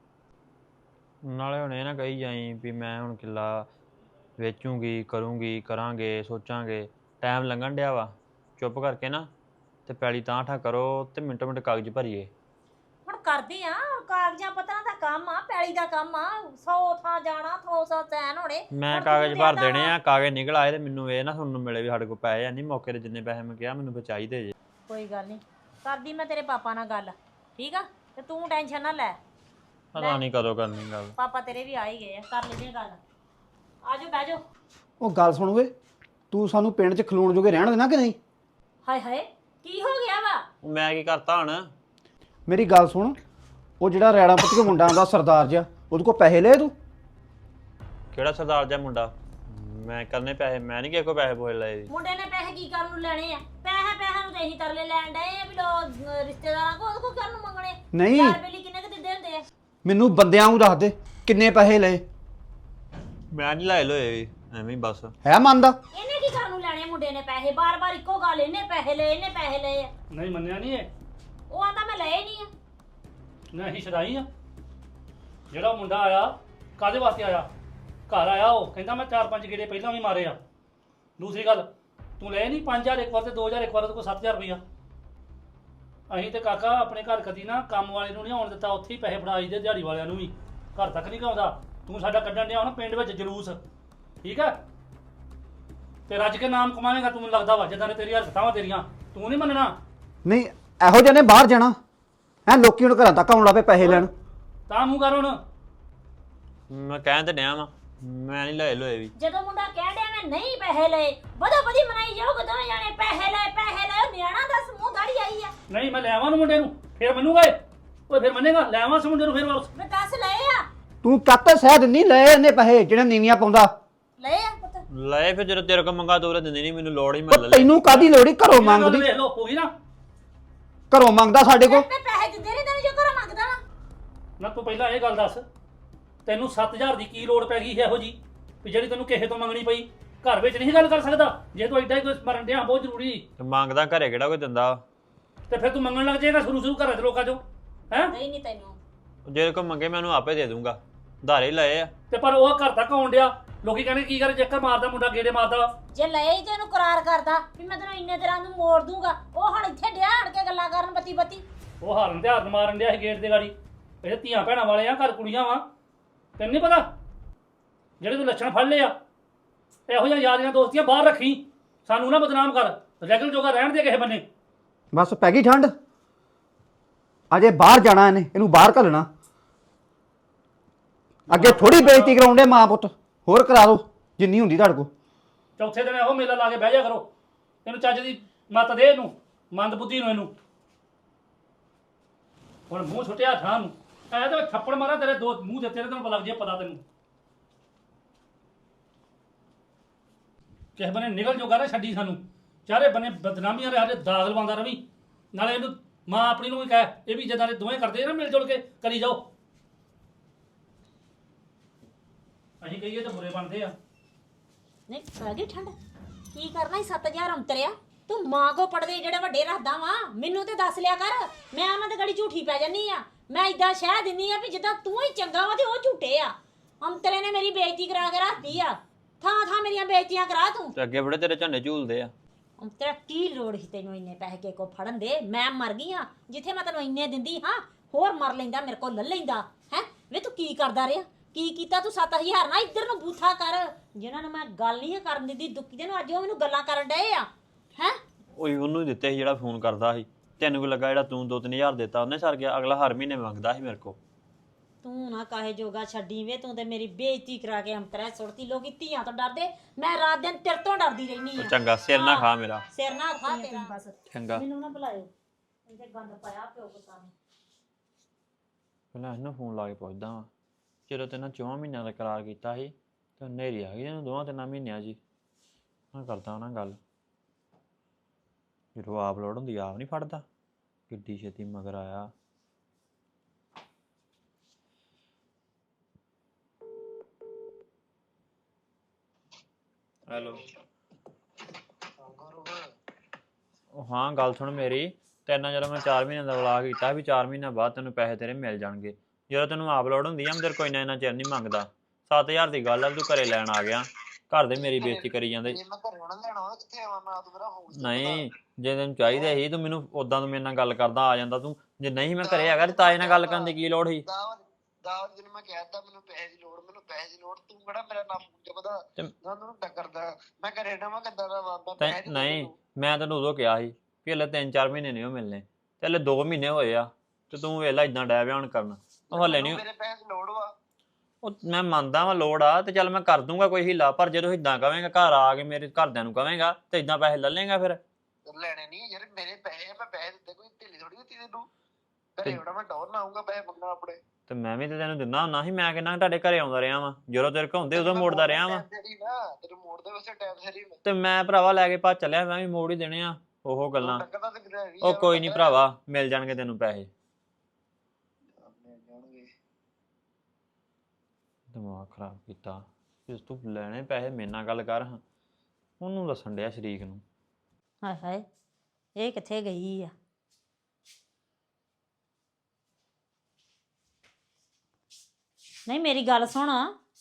S7: ਨਾਲੇ ਹੁਣ ਇਹ ਨਾ ਕਹੀ ਜਾਈ ਵੀ ਮੈਂ ਹੁਣ ਕਿੱਲਾ ਵੇਚੂੰਗੀ, ਕਰੂੰਗੀ, ਕਰਾਂਗੇ, ਸੋਚਾਂਗੇ, ਟਾਈਮ ਲੰਘਣ ਡਿਆ ਵਾ, ਚੁੱਪ ਕਰਕੇ ਨਾ ਤੇ ਪੈਲੀ ਤਾਂ ਠਾ ਕਰੋ ਤੇ ਮਿੰਟੋ ਮਿੰਟ ਕਾਗਜ਼ ਭਰੀਏ।
S5: ਹੁਣ ਕਰਦੇ ਆ, ਕਾਗਜ਼ਾਂ ਪੱਤਰਾਂ ਦਾ ਕੰਮ ਆ, ਪੈਲੀ ਦਾ ਕੰਮ ਆ, ਸੌ ਥਾਂ ਜਾਣਾ, ਸੌ ਸੌ ਚੈਨ ਹੋਣੇ।
S7: ਮੈਂ
S5: ਹੁਣ
S7: ਕਾਗਜ਼
S5: ਤੂੰ
S7: ਭਰ
S5: ਦੇਣਾ
S7: ਦੇਣੇ
S5: ਵਾ।
S7: ਆ, ਕਾਗਜ਼ ਨਿਕਲ ਆਏ ਤੇ ਮੈਨੂੰ ਇਹ ਨਾ ਸੁਣਨ ਨੂੰ ਮਿਲੇ ਵੀ ਸਾਡੇ ਕੋਲ ਪੈਸੇ ਹੈ ਨਹੀਂ, ਮੌਕੇ ਤੇ ਜਿੰਨੇ ਪੈਸੇ ਮੈਂ ਕਿਹਾ ਮੈਨੂੰ ਫਿਰ ਚਾਹੀਦੇ ਜੇ।
S5: ਕੋਈ ਗੱਲ ਨਹੀਂ, ਕਰਦੀ ਮੈਂ ਤੇਰੇ ਪਾਪਾ ਨਾਲ ਗੱਲ, ਠੀਕ ਆ, ਤੇ ਤੂੰ ਟੈਨਸ਼ਨ ਨਾ ਲੈ,
S7: ਪਤਾ ਨਹੀਂ ਕਦੋਂ ਕਰਨੀ ਗੱਲ।
S5: ਪਾਪਾ ਤੇਰੇ ਵੀ ਆ ਹੀ ਗਏ ਆ, ਕਰ ਲੈਂਦੇ ਆ ਗੱਲ, ਆਜੋ ਬਹਿ ਜਾਓ।
S6: ਉਹ ਗੱਲ ਸੁਣ ਓਏ, ਤੂੰ ਸਾਨੂੰ ਪਿੰਡ 'ਚ ਖਲੋਣ ਜੋਗੇ ਰਹਿਣ ਦੇਣਾ ਕਿ ਨਹੀਂ?
S5: ਹਾਏ ਹਾਏ ਕੀ ਹੋ ਗਿਆ ਵਾ?
S7: ਉਹ ਮੈਂ ਕੀ ਕਰਤਾ ਹੁਣ?
S6: ਮੇਰੀ ਗੱਲ ਸੁਣ, ਉਹ ਜਿਹੜਾ ਰੈਣਾ ਪੁੱਤ ਕੇ ਮੁੰਡਾ ਆਉਂਦਾ ਸਰਦਾਰ ਜਿਹਾ, ਉਹਦੇ ਕੋਲ ਪੈਸੇ ਲਏ ਤੂੰ?
S7: ਕਿਹੜਾ ਸਰਦਾਰ ਜਿਹਾ ਮੁੰਡਾ? ਮੈਂ ਕਰਨੇ ਪੈਸੇ, ਮੈਂ ਨਹੀਂ ਕਿਸੇ ਕੋਲ ਪੈਸੇ ਪੋਏ ਲਏ।
S5: ਮੁੰਡੇ ਨੇ ਪੈਸੇ ਕੀ ਕਰਨ ਨੂੰ ਲੈਣੇ ਆ? ਪੈਸੇ ਪੈਸੇ ਨੂੰ ਤੇ ਅਸੀਂ ਤਰਲੇ ਲੈਣ ਡਏ ਆ ਵੀ ਲੋ ਰਿਸ਼ਤੇਦਾਰਾਂ ਕੋਲ, ਉਹਦੇ ਕੋਲ ਕਰਨ ਨੂੰ ਮੰਗਣੇ?
S6: ਨਹੀਂ।
S5: ਯਾਰ ਬੇਲੀ ਕਿੰਨੇ ਕੁ ਦਿੰਦੇ ਹੁੰਦੇ ਆ?
S6: ਮੈਨੂੰ ਬੰਦਿਆਂ ਨੂੰ ਦੱਸ ਦੇ ਕਿੰਨੇ ਪੈਸੇ ਲਏ।
S7: ਮੈਂ ਨਹੀਂ ਲਾਏ ਲੋਏ ਵੀ, ਐਵੇਂ ਹੀ ਬਸ।
S6: ਹੈ ਮੰਨਦਾ?
S5: ਇਹਨੇ ਕੀ ਕਰਨ ਨੂੰ ਲੈਣੇ ਮੁੰਡੇ ਨੇ ਪੈਸੇ? ਬਾਰ-ਬਾਰ ਇੱਕੋ ਗੱਲ, ਇਹਨੇ ਪੈਸੇ ਲਏ, ਇਹਨੇ ਪੈਸੇ ਲਏ ਆ।
S2: ਨਹੀਂ ਮੰਨਿਆ ਨਹੀਂ ਇਹ,
S5: ਉਹ ਆਂਦਾ ਮੈਂ ਲਏ ਨਹੀਂ ਆ।
S2: ਨਾ ਅਸੀਂ ਛਦਾਈ ਆ। ਜਿਹੜਾ ਉਹ ਮੁੰਡਾ ਆਇਆ ਕਾਹਦੇ ਵਾਸਤੇ ਆਇਆ? ਘਰ ਆਇਆ ਉਹ ਕਹਿੰਦਾ ਮੈਂ ਚਾਰ ਪੰਜ ਗੇੜੇ ਪਹਿਲਾਂ ਵੀ ਮਾਰੇ ਆ। ਦੂਸਰੀ ਗੱਲ, ਤੂੰ ਲੈ ਨਹੀਂ ਪੰਜ ਹਜ਼ਾਰ ਇੱਕ ਵਾਰ ਤੇ ਦੋ ਹਜ਼ਾਰ ਇੱਕ ਵਾਰ, ਤੇ ਕੋਈ ਸੱਤ ਹਜ਼ਾਰ ਰੁਪਈਆ। ਅਸੀਂ ਤੇ ਕਾਕਾ ਆਪਣੇ ਘਰ ਕਦੀ ਨਾ ਕੰਮ ਵਾਲੇ ਨੂੰ ਨਹੀਂ ਆਉਣ ਦਿੱਤਾ, ਉੱਥੇ ਹੀ ਪੈਸੇ ਫੜਾ ਦੇ, ਦਿਹਾੜੀ ਵਾਲਿਆਂ ਨੂੰ ਵੀ, ਘਰ ਤੱਕ ਨਹੀਂ ਆਉਂਦਾ। ਤੂੰ ਸਾਡਾ ਕੱਢਣ ਡਿਆ ਹੁਣ ਪਿੰਡ ਵਿੱਚ ਜਲੂਸ, ਠੀਕ ਹੈ? ਤੇ ਰੱਜ ਕੇ ਨਾਮ ਕਮਾਵੇਂਗਾ ਤੂੰ, ਮੈਨੂੰ ਲੱਗਦਾ ਵਾ ਜਿੱਦਾਂ ਨੇ ਤੇਰੀ ਹਰਕਤਾਂ ਵਾ ਤੇਰੀਆਂ, ਤੂੰ ਨਹੀਂ ਮੰਨਣਾ।
S6: ਨਹੀਂ, ਇਹੋ ਜਿਹੇ ਨੇ ਬਾਹਰ ਜਾਣਾ ਹੈ, ਲੋਕੀ ਹੁਣ ਘਰਾਂ ਤੱਕ ਆਉਣ ਲੱਗ ਪਏ ਪੈਸੇ ਲੈਣ।
S2: ਤਾਂ ਮੂੰਹ ਕਰ ਹੁਣ।
S7: ਮੈਂ ਕਹਿਣ ਤੇ ਡਿਆ ਵਾਂ, ਮੈਂ ਨਹੀਂ ਲਾਏ ਲੋਏ ਵੀ।
S5: ਜਦੋਂ ਮੁੰਡਾ ਕਹਿ ਡਿਆ ਮੈਂ ਨਹੀਂ ਪੈਸੇ ਲਏ, ਵਧੋ ਵਧੀ ਮਨਾਈ ਜਾਓਗੇ ਦੋਵੇਂ ਜਾਣੇ, ਪੈਸੇ ਲਏ ਪੈਸੇ ਲਏ, ਉਹ ਨਿਆਣਾ ਦੱਸ ਮੂੰਹ ਦਾੜੀ ਆਈ ਆ।
S2: ਨਹੀਂ ਮੈਂ ਲੈ ਆਵਾਂ ਨੂੰ ਮੁੰਡੇ ਨੂੰ, ਫਿਰ ਮੰਨੂਗਾ ਇਹ। ਓਏ ਫਿਰ ਮੰਨੇਗਾ? ਲੈ ਆਵਾਂ ਉਸ ਮੁੰਡੇ ਨੂੰ ਫਿਰ ਵਾਪਸ।
S5: ਮੈਂ ਦੱਸ ਲਏ ਆ,
S6: ਤੂੰ ਕੱਤ ਸਹਿ ਦਿੰਦੀ ਲਏ ਇਹਨੇ ਪੈਸੇ ਜਿਹੜੇ ਨੀਵੀਆਂ ਪਾਉਂਦਾ।
S5: ਲਏ ਆ ਪੁੱਤ।
S7: ਲਏ ਫਿਰ ਜਦੋਂ ਤੇਰੇ ਕੋਲ ਮੰਗਾ ਤੋਰੇ ਦਿੰਦੀ ਨਹੀਂ, ਮੈਨੂੰ ਲੋੜ ਹੀ ਮੈਂ
S6: ਉਹ
S7: ਲੈ ਲਏ।
S6: ਤੈਨੂੰ ਕਾਦੀ ਲੋੜੀ? ਘਰੋਂ ਮੰਗਦੀ,
S2: ਵੇਖ ਲੋ ਹੋ ਗਈ ਨਾ।
S6: ਘਰੋਂ ਮੰਗਦਾ ਸਾਡੇ ਕੋਲ।
S5: ਮੈਂ ਪੈਸੇ ਦਿੰਦੇ ਨਹੀਂ ਤੈਨੂੰ ਜੋ ਘਰੋਂ ਮੰਗਦਾ ਵਾ।
S2: ਨਾ ਤੂੰ ਪਹਿਲਾਂ ਇਹ ਗੱਲ ਦੱਸ, ਤੈਨੂੰ ਸੱਤ ਹਜ਼ਾਰ ਦੀ ਕੀ ਲੋੜ ਪੈ ਗਈ ਇਹੋ ਜੀ ਵੀ ਜਿਹੜੀ ਤੈਨੂੰ ਕਿਸੇ ਤੋਂ ਮੰਗਣੀ ਪਈ? ਘਰ ਵਿੱਚ ਨਹੀਂ ਗੱਲ ਕਰ ਸਕਦਾ? ਜੇ ਤੂੰ ਐਡਾ ਹੀ ਕੋਈ ਮਰਨ ਡਿਆ ਬਹੁਤ ਜ਼ਰੂਰੀ,
S7: ਤੇ ਮੰਗਦਾ ਘਰੇ ਕਿਹੜਾ ਕੋਈ ਦਿੰਦਾ?
S2: ਤੇ ਫਿਰ ਤੂੰ ਮੰਗਣ ਲੱਗ ਜਾਏਗਾ ਸ਼ੁਰੂ ਸ਼ੁਰੂ ਘਰਾਂ ਦੇ ਲੋਕਾਂ ਚੋਂ, ਹੈ?
S5: ਨਹੀਂ ਨਹੀਂ ਤੈਨੂੰ
S7: ਜੇ ਕੋਈ ਮੰਗੇ ਮੈਂ ਉਹਨੂੰ ਆਪੇ ਦੇ ਦੂੰਗਾ, ਧਾਰੇ ਲਏ ਆ।
S2: ਤੇ ਪਰ ਉਹ ਘਰ ਤੱਕ ਆਉਣ ਡਿਆ, ਲੋਕੀ ਕਹਿੰਦੇ ਕੀ ਕਰ ਚੱਕਰ ਮਾਰਦਾ ਮੁੰਡਾ, ਗੇੜੇ ਮਾਰਦਾ।
S5: ਜੇ ਲਏ ਹੀ ਤੈਨੂੰ ਕਰਾਰ ਕਰਦਾ ਵੀ ਮੈਂ ਤੈਨੂੰ ਇੰਨੇ ਦਿਨਾਂ ਨੂੰ ਮੋੜ ਦੂੰਗਾ, ਉਹ ਹੁਣ ਇੱਥੇ ਡਿਆ ਆਣ ਕੇ ਗੱਲਾਂ ਕਰਨ ਬੱਤੀ ਬੱਤੀ।
S2: ਉਹ ਹਾਰਨ ਤੇ ਹਾਰਨ ਮਾਰਨ ਡਿਆ ਸੀ ਗੇਟ ਦੇ ਗਾੜੀ। ਇਹ ਧੀਆਂ ਭੈਣਾਂ ਵਾਲੇ ਆ, ਘਰ ਕੁੜੀਆਂ ਵਾ, ਤੈਨੂੰ ਨਹੀਂ ਪਤਾ? ਜਿਹੜੇ ਤੂੰ ਲੱਛਣ ਫੜ ਲਏ ਆ, ਇਹੋ ਜਿਹੀਆਂ ਯਾਰੀਆਂ ਦੋਸਤੀਆਂ ਬਾਹਰ ਰੱਖੀ, ਸਾਨੂੰ ਨਾ ਬਦਨਾਮ ਕਰ, ਰੈਗਲ ਜੋਗਾ ਰਹਿਣ ਦੇ ਕਿਸੇ ਬੰਨੇ।
S6: ਬਸ ਪੈ ਗਈ ਠੰਡ, ਅਜੇ ਬਾਹਰ ਜਾਣਾ ਇਹਨੇ, ਇਹਨੂੰ ਬਾਹਰ ਘੱਲਣਾ। ਅੱਗੇ ਥੋੜੀ ਬੇਇੱਜ਼ਤੀ ਕਰਾਉਂਦੇ ਮਾਂ ਪੁੱਤ, ਹੋਰ ਕਰਾ ਦੋ ਜਿੰਨੀ ਹੁੰਦੀ ਤੁਹਾਡੇ ਕੋਲ।
S2: ਚੌਥੇ ਦਿਨ ਇਹੋ ਮੇਲਾ ਲਾ ਕੇ ਬਹਿ ਜਾ ਕਰੋ। ਇਹਨੂੰ ਚੱਜ ਦੀ ਮੱਤ ਦੇ, ਇਹਨੂੰ ਮੰਦ ਬੁੱਧੀ ਨੂੰ, ਇਹਨੂੰ ਹੁਣ ਮੂੰਹ ਛੁੱਟਿਆ ਥਾਂ ਨੂੰ, ਐ ਤਾਂ ਥੱਪੜ ਮਾਰਾ ਤੇਰੇ ਦੋ ਮੂੰਹ ਦੇ, ਤੇਰੇ ਤੈਨੂੰ ਲੱਗ ਜੇ ਪਤਾ ਤੈਨੂੰ। ਕਿਸੇ ਬੰਨੇ ਨਿਕਲ ਜੋਗਾ ਨਾ ਛੱਡੀ ਸਾਨੂੰ, ਚਾਰੇ ਬੰਨੇ ਬਦਨਾਮੀਆਂ ਦੇ ਸਾਡੇ ਦਾਗ ਲਵਾਉਂਦਾ ਰਵੀ। ਨਾਲੇ ਇਹਨੂੰ ਮਾਂ ਆਪਣੀ ਨੂੰ ਵੀ ਕਹਿ, ਇਹ ਵੀ ਜਿੱਦਾਂ ਦੇ ਦੋਵੇਂ ਕਰਦੇ ਨਾ ਮਿਲ ਜੁਲ ਕੇ ਕਰੀ ਜਾਓ। ਅਸੀਂ ਕਹੀਏ ਤਾਂ ਬੁਰੇ ਬਣਦੇ ਆ।
S5: ਨਹੀਂ ਪੈ ਗਈ ਠੰਡ, ਕੀ ਕਰਨਾ ਸੀ ਸੱਤ ਹਜ਼ਾਰ ਅੰਤਰਿਆ? ਤੂੰ ਮਾਂ ਕੋ ਪੜਦੇ ਜਿਹੜੇ ਵੱਡੇ ਰੱਖਦਾ ਵਾ, ਮੈਨੂੰ ਤੇ ਦੱਸ ਲਿਆ ਕਰ, ਮੈਂ ਉਹਨਾਂ ਦੇ ਗੜੀ ਝੂਠੀ ਪੈ ਜੰਨੀ ਆ। ਮੈਂ ਇਦਾਂ ਸ਼ਹਿ ਦਿੰਨੀ ਆ ਵੀ ਜਿੱਦਾਂ ਤੂੰ ਹੀ ਚੰਗਾ ਵਾ ਤੇ ਉਹ ਝੂਠੇ ਆ। ਅੰਤਰੇ ਨੇ ਮੇਰੀ ਬੇਇੱਜ਼ਤੀ ਕਰਾ ਕੇ ਰੱਖਦੀ ਆ, ਥਾਂ ਥਾਂ ਮੇਰੀਆਂ ਬੇਇੱਜ਼ਤੀਆਂ ਕਰਾ ਤੂੰ।
S7: ਤੇ ਅੱਗੇ ਬੜੇ ਤੇਰੇ ਝੰਡੇ ਝੂਲਦੇ ਆ।
S5: ਅੰਤਰਾ ਕੀ ਲੋੜ ਸੀ ਤੈਨੂੰ ਇੰਨੇ ਪੈਸੇ ਕੇ ਕੋ ਫੜਨ ਦੇ? ਮੈਂ ਮਰ ਗਈ ਆ, ਜਿੱਥੇ ਮੈਂ ਤੈਨੂੰ ਇੰਨੇ ਦਿੰਦੀ ਹਾਂ, ਹੋਰ ਮਰ ਲੈਂਦਾ, ਮੇਰੇ ਕੋਲ ਲੈ ਲੈਂਦਾ ਹੈ। ਵੇ ਤੂੰ ਕੀ ਕਰਦਾ ਰਿਹਾ? ਕੀ ਕੀਤਾ ਤੂੰ? ਸੱਤ ਹਜ਼ਾਰ ਨਾ ਇੱਧਰ ਨੂੰ ਬੂਥਾ ਕਰ, ਜਿਨ੍ਹਾਂ ਨੂੰ ਮੈਂ ਗੱਲ ਨਹੀਂ ਕਰਨ ਦਿੰਦੀ ਦੁੱਕੀ ਦੇ ਨੂੰ, ਅੱਜ ਉਹ ਮੈਨੂੰ ਗੱਲਾਂ ਕਰਨ ਡਏ ਆ ਹੈ।
S7: ਓਏ ਉਹਨੂੰ ਹੀ ਦਿੱਤੇ ਸੀ ਜਿਹੜਾ ਫੋਨ ਕਰਦਾ ਸੀ, ਤੈਨੂੰ ਕੀ ਲੱਗਾ ਜਿਹੜਾ ਤੂੰ ਦੋ ਤਿੰਨ ਹਜ਼ਾਰ ਦਿੱਤਾ ਉਹਨੇ ਸਰ ਗਿਆ, ਅਗਲਾ ਹਰ ਮਹੀਨੇ ਮੰਗਦਾ ਸੀ ਮੇਰੇ ਕੋਲ।
S5: ਤੂੰ ਨਾ ਕਾਹੇ ਜੋਗਾ ਛੱਡੀ ਵੇ, ਤੂੰ ਤੇ ਮੇਰੀ ਬੇਇੱਜ਼ਤੀ ਕਰਾ ਕੇ ਅੰਤਰਾ ਸੁੱਟਤੀ। ਲੋਕੀ ਧੀਆਂ ਤੋਂ ਡਰਦੇ, ਮੈਂ ਰਾਤ ਦਿਨ ਤੇਰੇ ਤੋਂ ਡਰਦੀ ਰਹਿਨੀ ਆ।
S7: ਚੰਗਾ ਸਿਰ ਨਾ ਖਾ ਮੇਰਾ,
S5: ਸਿਰ ਨਾ ਖਾ ਤੇਰਾ ਬਸ।
S7: ਚੰਗਾ
S5: ਮੈਨੂੰ ਨਾ ਬੁਲਾਇਓ, ਇਹਦੇ ਗੰਦ ਪਾਇਆ ਪਿਓ ਪੁੱਤਾਂ ਨੇ।
S7: ਪਹਿਲਾਂ ਇਹਨੂੰ ਫੋਨ ਲਾ ਕੇ ਪੁੱਛਦਾ ਵਾਂ, ਜਦੋਂ ਤੈਨਾਂ ਚੌਹਾਂ ਮਹੀਨਿਆਂ ਦਾ ਕਰਾਰ ਕੀਤਾ ਸੀ ਤੇ ਹਨੇਰੀ ਆ ਗਈ ਇਹਨੂੰ ਦੋਵਾਂ ਤਿੰਨਾਂ ਮਹੀਨਿਆਂ 'ਚ ਹੀ। ਮੈਂ ਕਰਦਾ ਨਾ ਗੱਲ, ਜਦੋਂ ਆਪ ਲੋੜ ਹੁੰਦੀ ਆਪ ਨਹੀਂ ਫੜਦਾ, ਕਿੱਡੀ ਛੇਤੀ ਮਗਰ ਆਇਆ। ਹੈਲੋ, ਉਹ ਹਾਂ ਗੱਲ ਸੁਣ ਮੇਰੀ, ਤੈਨਾਂ ਜਦੋਂ ਮੈਂ ਚਾਰ ਮਹੀਨਿਆਂ ਦਾ ਵਲਾ ਕੀਤਾ ਵੀ ਚਾਰ ਮਹੀਨਿਆਂ ਬਾਅਦ ਤੈਨੂੰ ਪੈਸੇ ਤੇਰੇ ਮਿਲ ਜਾਣਗੇ। ਜਦੋਂ ਤੈਨੂੰ ਆਪ ਲੋੜ ਹੁੰਦੀ ਆ ਮੈਂ ਤੇਰੇ ਕੋਈ ਨਾ ਇੰਨਾ ਚਿਰ ਨਹੀਂ ਮੰਗਦਾ। ਸੱਤ ਹਜ਼ਾਰ ਦੀ ਗੱਲ ਆ, ਤੂੰ ਘਰੇ ਲੈਣ ਆ ਗਿਆ, ਘਰ ਦੇ ਮੇਰੀ ਬੇਇੱਜ਼ਤੀ ਕਰੀ ਜਾਂਦੇ। ਨਹੀਂ ਜੇ ਤੈਨੂੰ ਚਾਹੀਦਾ ਸੀ ਤੂੰ ਮੈਨੂੰ ਉਦਾਂ ਤੂੰ ਮੇਰੇ ਨਾਲ ਗੱਲ ਕਰਦਾ ਆ ਜਾਂਦਾ ਤੂੰ। ਜੇ ਨਹੀਂ ਮੈਂ ਘਰੇ ਹੈਗਾ ਤੇ ਤਾਏ ਨਾਲ ਗੱਲ ਕਰਨ ਦੀ ਕੀ ਲੋੜ ਸੀ?
S8: ਦਾਵਰ ਜਿਹਨੂੰ ਮੈਂ ਕਹਿਤਾ ਮੈਨੂੰ ਪੈਸੇ ਦੀ ਲੋੜ, ਮੈਨੂੰ ਪੈਸੇ ਦੀ ਲੋੜ, ਤੂੰ ਕਿਹੜਾ ਮੇਰਾ ਨਾਮ ਜਪਦਾ ਨਾ ਤੈਨੂੰ ਟੱਕਰਦਾ। ਮੈਂ ਘਰੇ ਨਾ ਮੈਂ ਕਿੱਦਾਂ ਦਾ ਬਾਬਾ ਪੈਸੇ
S7: ਨਹੀਂ, ਮੈਂ ਤੈਨੂੰ ਉਦੋਂ ਕਿਹਾ ਸੀ ਕਿ ਹਲੇ ਤਿੰਨ ਚਾਰ ਮਹੀਨੇ ਨਹੀਂ ਉਹ ਮਿਲਣੇ, ਤੇ ਹਲੇ ਦੋ ਮਹੀਨੇ ਹੋਏ ਆ ਤੇ ਤੂੰ ਵੇਲਾ ਇਦਾਂ ਡੈ ਬਿਆਨ ਕਰਨ। ਉਹ ਹਲੇ ਨਹੀਂ,
S8: ਮੇਰੇ ਪੈਸੇ ਦੀ ਲੋੜ ਵਾ।
S7: ਉਹ ਮੈਂ ਮੰਨਦਾ ਵਾ ਲੋੜ ਆ ਤੇ ਚੱਲ ਮੈਂ ਕਰ ਦੂੰਗਾ ਕੋਈ ਹੀਲਾ, ਪਰ ਜਦੋਂ ਇਦਾਂ ਕਵੇਂਗਾ ਘਰ ਆ ਕੇ ਮੇਰੇ ਘਰਦਿਆਂ ਨੂੰ ਕਵੇਂਗਾ ਤੇ ਇਦਾਂ ਪੈਸੇ ਲੈ ਲੇਗਾ ਫਿਰ।
S8: ਲੈਣੇ ਨਹੀਂ ਯਾਰ, ਮੇਰੇ ਪੈਸੇ ਮੈਂ ਪੈਸੇ ਦਿੱਤੇ, ਕੋਈ ਢਿੱਲੀ ਥੋੜੀ ਦਿੱਤੀ ਤੈਨੂੰ। ਘਰੇ ਹੁਣ ਮੈਂ ਟੌਰ ਨਾ ਆਊਂਗਾ ਪੈਸੇ ਮੰਗਣਾ ਆਪਣੇ।
S7: ਤੇ ਮੈਂ ਵੀ ਤੇ ਤੈਨੂੰ ਦਿੰਦਾ ਹੁੰਦਾ ਸੀ, ਮੈਂ ਕਿੰਨਾ ਤੁਹਾਡੇ ਘਰੇ ਆਉਂਦਾ ਰਿਹਾ ਵਾਂ, ਜਦੋਂ ਤੇਰੇ ਕੋਲ ਹੁੰਦੇ ਉਦੋਂ ਮੋੜਦਾ ਰਿਹਾ ਵਾਂ।
S8: ਤੈਨੂੰ ਮੋੜਦੇ ਵਸੇ ਟਾਈਮ ਸਰੀ
S7: ਤੇ ਮੈਂ ਭਰਾਵਾ ਲੈ ਕੇ ਭੱਜ ਚੱਲਿਆ, ਮੈਂ ਵੀ ਮੋੜ ਹੀ ਦੇਣੇ ਆ ਉਹ ਗੱਲਾਂ।
S8: ਟੱਕਰਦਾ ਤੇ ਕਿਤੇ
S7: ਉਹ ਕੋਈ ਨਹੀਂ ਭਰਾਵਾ, ਮਿਲ ਜਾਣਗੇ ਤੈਨੂੰ ਪੈਸੇ। ਦਿਮਾਗ ਖਰਾਬ ਕੀਤਾ, ਜੇ ਤੂੰ ਲੈਣੇ ਪੈਸੇ ਮੇਰੇ ਨਾਲ ਗੱਲ ਕਰ। ਹਾਂ ਉਹਨੂੰ ਦੱਸਣ ਡਿਆ ਸ਼ਰੀਕ ਨੂੰ।
S5: ਹਾਏ ਹਾਏ, ਇਹ ਕਿੱਥੇ ਗਈ ਆ? ਨਹੀਂ ਮੇਰੀ ਗੱਲ ਸੁਣ,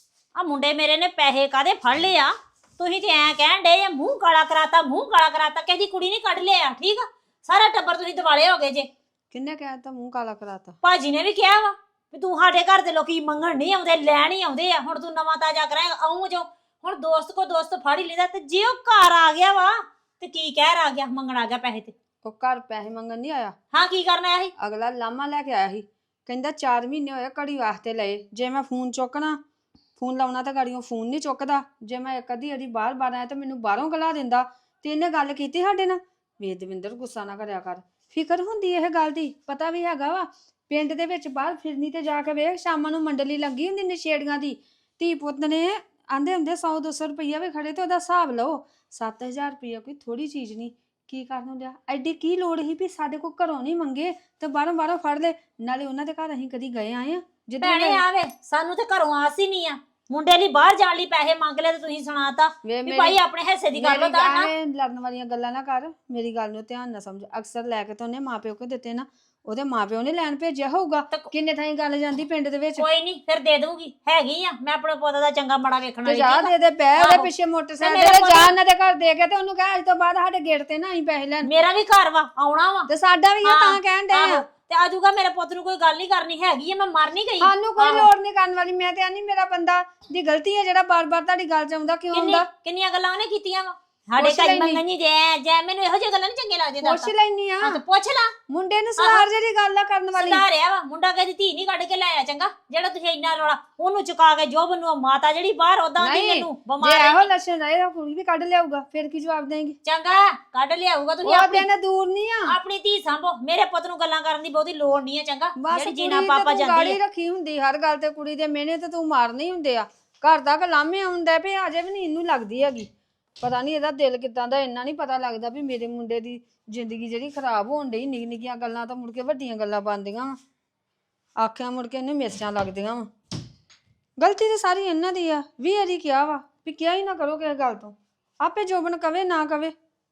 S5: ਆ ਮੁੰਡੇ ਮੇਰੇ ਨੇ ਪੈਸੇ ਕਾਦੇ ਫੜ ਲਏ ਆ? ਤੁਸੀਂ ਤੇ ਐਂ ਕਹਿਣ ਡੇ ਆ ਮੂੰਹ ਕਾਲਾ ਕਰਾਤਾ, ਮੂੰਹ ਕਾਲਾ ਕਰਾਤਾ, ਕਿਸੇ ਦੀ ਕੁੜੀ ਨਹੀਂ ਕੱਢ ਲਿਆ। ਠੀਕ ਆ, ਸਾਰਾ ਟੱਬਰ ਤੁਸੀਂ ਦਿਵਾਲੇ ਹੋ ਗਏ ਜੇ।
S9: ਕਿੰਨੇ ਕਹਿਤਾ ਮੂੰਹ ਕਾਲਾ ਕਰਾਤਾ?
S5: ਭਾਜੀ ਨੇ ਵੀ ਕਿਹਾ ਵਾ ਵੀ ਤੂੰ ਸਾਡੇ ਘਰ ਦੇ ਲੋਕੀ ਮੰਗਣ ਨਹੀਂ ਆਉਂਦੇ, ਲੈਣ ਹੀ ਆਉਂਦੇ ਆ। ਹੁਣ ਤੂੰ ਨਵਾਂ ਤਾਜ਼ਾ ਕਰਾਂਗਾ ਆਉਂ ਜੋ। ਹੁਣ ਦੋਸਤ ਕੋ ਦੋਸਤ ਫੜ ਹੀ ਲੈਂਦਾ, ਤੇ ਜੇ ਉਹ ਘਰ ਆ ਗਿਆ ਵਾ ਤੇ ਕੀ ਕਹਿ ਆ ਗਿਆ? ਮੰਗਣ ਆ ਗਿਆ ਪੈਸੇ ਤੇ।
S9: ਉਹ ਘਰ ਪੈਸੇ ਮੰਗਣ ਨਹੀਂ ਆਇਆ,
S5: ਹਾਂ ਕੀ ਕਰਨ ਆਇਆ ਸੀ?
S9: ਅਗਲਾ ਲਾਮਾ ਲੈ ਕੇ ਆਇਆ ਸੀ, ਕਹਿੰਦਾ ਚਾਰ ਮਹੀਨੇ ਹੋਏ ਘੜੀ ਵਾਸਤੇ ਲਏ। ਜੇ ਮੈਂ ਫੋਨ ਚੁੱਕਣਾ, ਫੋਨ ਲਾਉਣਾ ਤਾਂ ਗਾੜੀਆਂ ਫੋਨ ਨਹੀਂ ਚੁੱਕਦਾ। ਜੇ ਮੈਂ ਇੱਕ ਅੱਧੀ ਵਾਰੀ ਬਾਹਰ ਬਾਹਰ ਆਇਆ ਤਾਂ ਮੈਨੂੰ ਬਾਹਰੋਂ ਗਲਾ ਦਿੰਦਾ। ਤੇ ਇਹਨੇ ਗੱਲ ਕੀਤੀ ਸਾਡੇ ਨਾਲ। ਵੇ ਦਵਿੰਦਰ ਗੁੱਸਾ ਨਾ ਕਰਿਆ ਕਰ, ਫਿਕਰ ਹੁੰਦੀ ਇਹ ਗੱਲ ਦੀ, ਪਤਾ ਵੀ ਹੈਗਾ ਵਾ। ਪਿੰਡ ਦੇ ਵਿੱਚ ਬਾਹਰ ਫਿਰਨੀ ਤੇ ਜਾ ਕੇ ਵੇਖ, ਸ਼ਾਮਾਂ ਨੂੰ ਮੰਡਲੀ ਲੱਗੀ ਹੁੰਦੀ ਨਸ਼ੇੜੀਆਂ ਦੀ। ਧੀ ਪੁੱਤ ਨੇ ਆਂਦੇ ਹੁੰਦੇ ਸੌ ਦੋ ਸੌ ਰੁਪਈਆ ਵੀ ਖੜੇ ਤੇ ਉਹਦਾ ਹਿਸਾਬ ਲਓ। ਸੱਤ ਹਜ਼ਾਰ ਰੁਪਈਆ ਕੋਈ ਥੋੜੀ ਚੀਜ਼ ਨਹੀਂ। ਕੀ ਕਰਨ ਨੂੰ ਲਿਆ? ਐਡੀ ਕੀ ਲੋੜ ਸੀ ਵੀ ਸਾਡੇ ਕੋਲ ਘਰੋਂ ਨਹੀਂ ਮੰਗੇ ਤੇ ਬਾਹਰੋਂ ਬਾਹਰੋਂ ਫੜ ਲੈ? ਨਾਲੇ ਉਹਨਾਂ ਦੇ ਘਰ ਅਸੀਂ ਕਦੀ ਗਏ ਆਏ ਆ?
S5: ਭੈਣੇ ਆਵੇ ਸਾਨੂੰ ਤੇ ਘਰੋਂ ਆਸ ਹੀ ਨਹੀਂ ਆ। ਮੁੰਡੇ ਲਈ ਬਾਹਰ ਜਾਣ ਲਈ ਪੈਸੇ ਮੰਗ ਲਏ ਤੇ ਤੁਸੀਂ ਸੁਣਾਤਾ ਵੀ ਭਾਈ ਆਪਣੇ ਹਿੱਸੇ ਦੀ ਗੱਲ ਹੁੰਦਾ ਨਾ।
S9: ਲੜਨ ਵਾਲੀਆਂ ਗੱਲਾਂ ਨਾ ਕਰ, ਮੇਰੀ ਗੱਲ ਨੂੰ ਧਿਆਨ ਨਾਲ ਸਮਝ। ਅਕਸਰ ਲੈ ਕੇ ਤਾਂ ਉਹਨੇ ਮਾਪਿਓ ਕੋ ਦਿੱਤੇ ਨਾ, ਉਹਦੇ ਮਾਪਿਓ ਨੇ ਲੈਣ ਭੇਜਿਆ ਹੋਊਗਾ। ਕਿੰਨੇ ਥਾਈਂ ਗੱਲ ਜਾਂਦੀ ਪਿੰਡ ਦੇ ਵਿੱਚ।
S5: ਕੋਈ ਨਹੀਂ ਫਿਰ ਦੇ ਦੂੰਗੀ, ਹੈਗੀ ਆ ਮੈਂ ਆਪਣੇ ਪੁੱਤ ਦਾ ਚੰਗਾ ਮਾੜਾ ਵੇਖਣ ਵਾਲੀ।
S9: ਜਾ ਦੇ ਦੇ ਪੈ ਉਹਦੇ ਪਿੱਛੇ ਮੋਟਰਸਾਈਕਲ ਤੇ ਜਾ ਉਹਨਾਂ ਦੇ ਘਰ ਦੇ ਕੇ ਤੇ ਉਹਨੂੰ ਕਹਿ ਅੱਜ ਤੋਂ ਬਾਅਦ ਸਾਡੇ ਗੇਟ ਤੇ ਨਾ ਆਈ ਪੈਸੇ ਲੈਣ।
S5: ਮੇਰਾ ਵੀ ਘਰ ਵਾ, ਆਉਣਾ ਵਾ
S9: ਤੇ ਸਾਡਾ ਵੀ ਆ, ਤਾਂ ਕਹਿਣ ਦੇ ਆ।
S5: ਤੇ ਆਜੂਗਾ ਮੇਰੇ ਪੁੱਤ ਨੂੰ, ਕੋਈ ਗੱਲ ਨਹੀਂ ਕਰਨੀ ਹੈਗੀ ਆ, ਮੈਂ ਮਰ ਨਹੀਂ ਗਈ।
S9: ਸਾਨੂੰ ਕੋਈ ਲੋੜ ਨਹੀਂ ਕਰਨ ਵਾਲੀ। ਮੈਂ ਤੇ ਆਨੀ ਮੇਰਾ ਬੰਦਾ ਦੀ ਗਲਤੀ ਹੈ ਜਿਹੜਾ ਬਾਰ-ਬਾਰ ਤੁਹਾਡੀ ਗੱਲ ਚ ਆਉਂਦਾ। ਕਿਉਂ ਆਉਂਦਾ?
S5: ਕਿੰਨੀਆਂ ਗੱਲਾਂ ਉਹਨੇ ਕੀਤੀਆਂ ਵਾ ਸਾਡੇ ਘਰ ਮੰਗਣੀ ਦੇ ਜੈ। ਮੈਨੂੰ ਇਹੋ ਜਿਹੀ ਗੱਲਾਂ ਨਹੀਂ ਚੰਗੀਆਂ ਲੱਗਦੀਆਂ।
S9: ਪੁੱਛ ਲੈਣੀ ਆ,
S5: ਤੇ ਪੁੱਛ ਲਾ।
S9: ਮੁੰਡੇ ਨੂੰ ਸਵਾਰ ਜਿਹੜੀ ਗੱਲ ਆ ਕਰਨ ਵਾਲੀ।
S5: ਸੁਧਾਰਿਆ ਵਾ ਮੁੰਡਾ, ਕਦੀ ਧੀ ਨਹੀਂ ਕੱਢ ਕੇ ਲਾਇਆ। ਚੰਗਾ ਜਿਹੜਾ ਤੁਸੀਂ ਇੰਨਾ ਰੌਲਾ ਉਹਨੂੰ ਚੁਕਾ ਕੇ ਜੋ ਬਨੂੰ ਮਾਤਾ ਜਿਹੜੀ ਬਾਹਰ ਉਦਾਂ ਦੀ ਮੈਨੂੰ ਬਿਮਾਰ
S9: ਜੇ ਇਹੋ ਲੱਛਣ ਰਹੇ ਤਾਂ ਕੁੜੀ ਵੀ ਕੱਢ ਲਿਆਊਗਾ, ਫਿਰ ਕੀ ਜਵਾਬ ਦੇਂਗੀ?
S5: ਚੰਗਾ ਕੱਢ ਲਿਆਊਗਾ। ਤੁਸੀਂ
S9: ਉਹ ਦਿਨ ਦੂਰ ਨਹੀਂ ਆ।
S5: ਆਪਣੀ ਧੀ ਸੰਭੋ, ਮੇਰੇ ਪੁੱਤ ਨੂੰ ਗੱਲਾਂ ਕਰਨ ਦੀ ਬਹੁਤੀ ਲੋੜ ਨਹੀਂ ਹੈ। ਚੰਗਾ
S9: ਜਿਹੜੀ
S5: ਜੀਣਾ ਪਾਪਾ ਜਾਂਦੀ
S9: ਗਾੜੀ ਰੱਖੀ ਹੁੰਦੀ ਹਰ ਗੱਲ ਤੇ ਕੁੜੀ ਦੇ ਮਿਹਨੇ ਤੇ ਤੂੰ ਮਾਰਨੇ ਹੁੰਦੇ ਆ। ਘਰ ਦਾ ਕਲਾਮੇ ਆਉਂਦਾ ਪਏ ਅਜੇ ਵੀ ਨਹੀਂ ਇਹਨੂੰ ਲੱਗਦੀ ਹੈਗੀ। ਪਤਾ ਨਹੀਂ ਇਹਦਾ ਦਿਲ ਕਿੱਦਾਂ ਦਾ, ਇੰਨਾ ਨਹੀਂ ਪਤਾ ਲੱਗਦਾ ਵੀ ਮੇਰੇ ਮੁੰਡੇ ਦੀ ਜ਼ਿੰਦਗੀ ਜਿਹੜੀ ਖਰਾਬ ਹੋਣ ਡਈ। ਨਿੱਕੀ ਨਿੱਕੀਆਂ ਗੱਲਾਂ ਤਾਂ ਮੁੜ ਕੇ ਵੱਡੀਆਂ ਗੱਲਾਂ ਬਣਦੀਆਂ ਵਾ। ਆਖਿਆ ਮੁੜ ਕੇ ਇਹਨੂੰ ਮਿਰਚਾਂ ਲੱਗਦੀਆਂ ਵਾ। ਗਲਤੀ ਤਾਂ ਸਾਰੀ ਇਹਨਾਂ ਦੀ ਆ। ਵੀ ਇਹਦੀ ਕਿਹਾ ਵਾ ਵੀ ਕਿਹਾ ਹੀ ਨਾ ਕਰੋ ਕਿਸੇ ਗੱਲ ਤੋਂ। ਆਪੇ ਜੋਬਨ ਕਵੇ ਨਾ ਕਵੇ।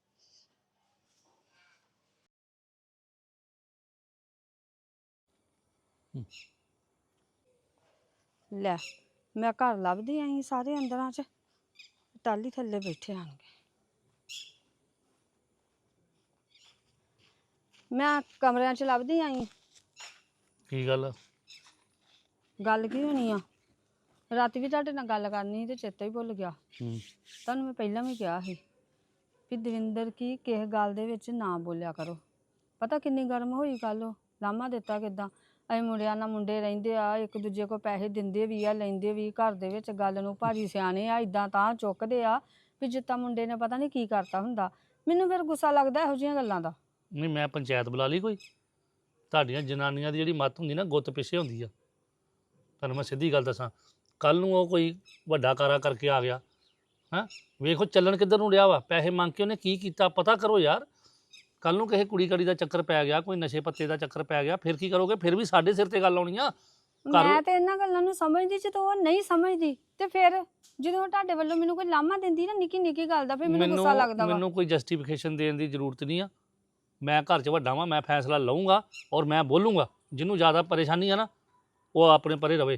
S9: ਲੈ ਮੈਂ ਘਰ ਲੱਭਦੀ ਆਈ, ਸਾਰੇ ਅੰਦਰਾਂ 'ਚ ਟਾਲੀ ਥੱਲੇ ਬੈਠੇ ਆਣਗੇ। ਮੈਂ ਕਮਰਿਆਂ 'ਚ ਲੱਭਦੀ ਆਈ।
S2: ਕੀ ਗੱਲ?
S9: ਗੱਲ ਕੀ ਹੋਣੀ ਆ? ਰਾਤੀ ਵੀ ਤੁਹਾਡੇ ਨਾਲ ਗੱਲ ਕਰਨੀ ਸੀ ਤੇ ਚੇਤਾ ਹੀ ਭੁੱਲ ਗਿਆ। ਤੁਹਾਨੂੰ ਮੈਂ ਪਹਿਲਾਂ ਵੀ ਕਿਹਾ ਸੀ ਵੀ ਦਵਿੰਦਰ ਕੀ ਕਿਸੇ ਗੱਲ ਦੇ ਵਿੱਚ ਨਾ ਬੋਲਿਆ ਕਰੋ। ਪਤਾ ਕਿੰਨੀ ਗਰਮ ਹੋਈ ਕੱਲ ਉਹ ਲਾਮਾ ਦਿੱਤਾ ਕਿਦਾਂ ਅਸੀਂ ਮੁੰਡਿਆਂ ਨਾਲ ਮੁੰਡੇ ਰਹਿੰਦੇ ਆ ਇੱਕ ਦੂਜੇ ਕੋ ਪੈਸੇ ਦਿੰਦੇ ਵੀ ਆ ਲੈਂਦੇ ਵੀ ਘਰ ਦੇ ਵਿੱਚ ਗੱਲ ਨੂੰ ਭਾਜੀ ਸਿਆਣੇ ਆ ਇਦਾਂ ਤਾਂ ਚੁੱਕਦੇ ਆ ਵੀ ਜਿੱਦਾਂ ਮੁੰਡੇ ਨੇ ਪਤਾ ਨਹੀਂ ਕੀ ਕਰਤਾ ਹੁੰਦਾ। ਮੈਨੂੰ ਫਿਰ ਗੁੱਸਾ ਲੱਗਦਾ ਇਹੋ ਜਿਹੀਆਂ ਗੱਲਾਂ ਦਾ।
S2: ਨਹੀਂ ਮੈਂ ਪੰਚਾਇਤ ਬੁਲਾ ਲਈ ਕੋਈ? ਤੁਹਾਡੀਆਂ ਜਨਾਨੀਆਂ ਦੀ ਜਿਹੜੀ ਮੱਤ ਹੁੰਦੀ ਨਾ ਗੁੱਤ ਪਿੱਛੇ ਹੁੰਦੀ ਆ। ਤੁਹਾਨੂੰ ਮੈਂ ਸਿੱਧੀ ਗੱਲ ਦੱਸਾਂ, ਕੱਲ ਨੂੰ ਉਹ ਕੋਈ ਵੱਡਾ ਕਾਰਾ ਕਰਕੇ ਆ ਗਿਆ ਹੈਂ, ਵੇਖੋ ਚੱਲਣ ਕਿੱਧਰ ਨੂੰ ਰਿਹਾ ਵਾ। ਪੈਸੇ ਮੰਗ ਕੇ ਉਹਨੇ ਕੀ ਕੀਤਾ ਪਤਾ ਕਰੋ ਯਾਰ। ਕੱਲ ਨੂੰ ਕਿਸੇ ਕੁੜੀ ਕੜੀ ਦਾ ਚੱਕਰ ਪੈ ਗਿਆ, ਕੋਈ ਨਸ਼ੇ ਪੱਤੇ ਦਾ ਚੱਕਰ ਪੈ ਗਿਆ, ਫਿਰ ਕੀ ਕਰੋਗੇ? ਫਿਰ ਵੀ ਸਾਡੇ ਸਿਰ ਤੇ ਗੱਲ ਆਉਣੀ ਆ।
S9: ਮੈਂ ਤੇ ਇਹਨਾਂ ਗੱਲਾਂ ਨੂੰ ਸਮਝਦੀ ਜਦੋਂ ਉਹ ਨਹੀਂ ਸਮਝਦੀ ਤੇ ਫਿਰ ਜਦੋਂ ਤੁਹਾਡੇ ਵੱਲੋਂ ਮੈਨੂੰ ਕੋਈ ਲਾਮਾ ਦਿੰਦੀ ਨਾ ਨਿੱਕੀ ਨਿੱਕੀ ਗੱਲ ਦਾ ਫਿਰ ਮੈਨੂੰ ਗੁੱਸਾ ਲੱਗਦਾ ਵਾ।
S2: ਮੈਨੂੰ ਕੋਈ ਜਸਟੀਫਿਕੇਸ਼ਨ ਦੇਣ ਦੀ ਜ਼ਰੂਰਤ ਨਹੀਂ ਆ। ਮੈਂ ਘਰ 'ਚ ਵੱਡਾ ਵਾਂ, ਮੈਂ ਫੈਸਲਾ ਲਊਂਗਾ ਔਰ ਮੈਂ ਬੋਲੂੰਗਾ। ਜਿਹਨੂੰ ਜ਼ਿਆਦਾ ਪਰੇਸ਼ਾਨੀ ਆ ਨਾ ਉਹ ਆਪਣੇ ਪਰੇ ਰਵੇ।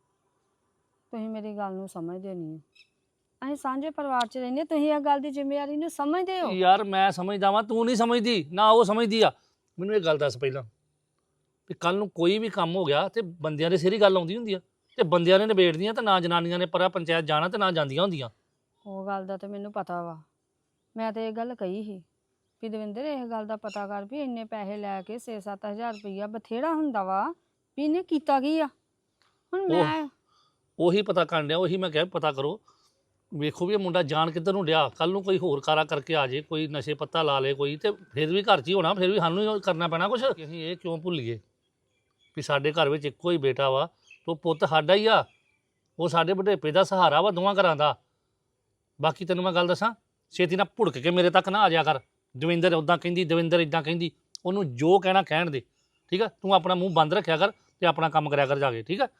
S9: ਤੁਸੀਂ ਮੇਰੀ ਗੱਲ ਨੂੰ ਸਮਝਦੇ ਨਹੀਂ ਹੋ। ਅਸੀਂ ਸਾਂਝੇ ਪਰਿਵਾਰ 'ਚ ਰਹਿੰਦੇ, ਤੁਸੀਂ ਇਹ ਗੱਲ ਦੀ ਜ਼ਿੰਮੇਵਾਰੀ ਨੂੰ ਸਮਝਦੇ ਹੋ।
S2: ਯਾਰ ਮੈਂ ਸਮਝਦਾ ਵਾਂ, ਤੂੰ ਨਹੀਂ ਸਮਝਦੀ ਨਾ ਉਹ ਸਮਝਦੀ ਆ। ਮੈਨੂੰ ਇਹ ਗੱਲ ਦੱਸ ਪਹਿਲਾਂ ਵੀ ਕੱਲ ਨੂੰ ਕੋਈ ਵੀ ਕੰਮ ਹੋ ਗਿਆ ਤੇ ਬੰਦਿਆਂ ਦੇ ਸਿਰ ਹੀ ਗੱਲ ਆਉਂਦੀ ਹੁੰਦੀ ਆ ਤੇ ਬੰਦਿਆਂ ਨੇ ਨਿਬੇੜਦੀਆਂ ਤੇ ਨਾ ਜਨਾਨੀਆਂ ਨੇ ਪਰਾ ਪੰਚਾਇਤ ਜਾਣਾ ਤੇ ਨਾ ਜਾਂਦੀਆਂ ਹੁੰਦੀਆਂ।
S9: ਉਹ ਗੱਲ ਦਾ ਤੇ ਮੈਨੂੰ ਪਤਾ ਵਾ। ਮੈਂ ਤੇ ਇਹ ਗੱਲ ਕਹੀ ਸੀ ਵੀ ਦਵਿੰਦਰ ਇਹ ਗੱਲ ਦਾ ਪਤਾ ਕਰ ਵੀ ਇੰਨੇ ਪੈਸੇ ਲੈ ਕੇ ਛੇ ਸੱਤ ਹਜ਼ਾਰ ਰੁਪਈਆ ਬਥੇਰਾ ਹੁੰਦਾ ਵਾ ਵੀ ਇਹਨੇ ਕੀਤਾ ਕੀ ਆ। ਹੁਣ ਮੈਂ
S2: ਉਹੀ ਪਤਾ ਕਰਨ ਡਿਆ, ਉਹੀ ਮੈਂ ਕਿਹਾ ਪਤਾ ਕਰੋ। ਵੇਖੋ ਵੀ ਇਹ ਮੁੰਡਾ ਜਾਣ ਕਿੱਧਰ ਨੂੰ ਡਿਆ। ਕੱਲ ਨੂੰ ਕੋਈ ਹੋਰ ਕਾਰਾ ਕਰਕੇ ਆ ਜੇ, ਕੋਈ ਨਸ਼ੇ ਪੱਤਾ ਲਾ ਲੇ ਕੋਈ, ਤੇ ਫਿਰ ਵੀ ਘਰ 'ਚ ਹੀ ਹੋਣਾ, ਫਿਰ ਵੀ ਸਾਨੂੰ ਹੀ ਕਰਨਾ ਪੈਣਾ ਕੁਛ। ਅਸੀਂ ਇਹ ਕਿਉਂ ਭੁੱਲੀਏ ਵੀ ਸਾਡੇ ਘਰ ਵਿੱਚ ਇੱਕੋ ਹੀ ਬੇਟਾ ਵਾ, ਤੋ ਪੁੱਤ ਸਾਡਾ ਹੀ ਆ। ਉਹ ਸਾਡੇ ਬੁਢੇਪੇ ਦਾ ਸਹਾਰਾ ਵਾ ਦੋਵਾਂ ਘਰਾਂ ਦਾ। ਬਾਕੀ ਤੈਨੂੰ ਮੈਂ ਗੱਲ ਦੱਸਾਂ, ਛੇਤੀ ਨਾਲ ਭੁੜਕ ਕੇ ਮੇਰੇ ਤੱਕ ਨਾ ਆ ਜਾਇਆ ਕਰ। ਦਵਿੰਦਰ ਉੱਦਾਂ ਕਹਿੰਦੀ, ਦਵਿੰਦਰ ਇੱਦਾਂ ਕਹਿੰਦੀ। ਉਹਨੂੰ ਜੋ ਕਹਿਣਾ ਕਹਿਣ ਦੇ, ਠੀਕ ਆ? ਤੂੰ ਆਪਣਾ ਮੂੰਹ ਬੰਦ ਰੱਖਿਆ ਕਰ ਤੇ ਆਪਣਾ ਕੰਮ ਕਰਿਆ ਕਰ ਜਾ ਕੇ, ਠੀਕ ਆ?